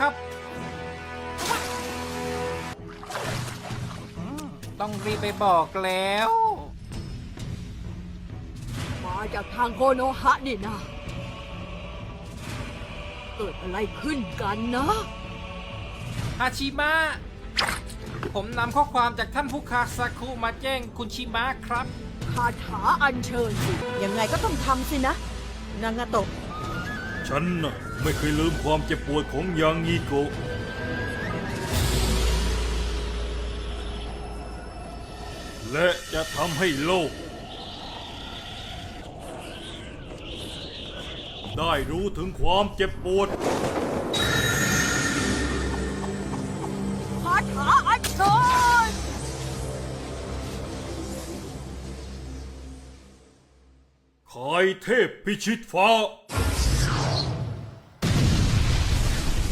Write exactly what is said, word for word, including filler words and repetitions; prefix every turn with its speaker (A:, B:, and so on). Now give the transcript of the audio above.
A: ครับต้องรีบไปบอกแล้ว
B: มาจากทางโคโนฮะนี่นะเกิดอะไรขึ้นกันนะ
A: ฮาชิมะผมนำข้อความจากท่านผู้คาซาคุมาแจ้งคุณชิมะครับ
B: คาถาอัญเชิญสิยังไงก็ต้องทำสินะ นางาโตะ
C: ฉันน่ะไม่เคยลืมความเจ็บปวดของยางงีโกะและจะทำให้โลก ได้รู้ถึงความเจ็บปวด
B: คาถาอัญเชิญ
C: คายเทพพิชิตฟ้า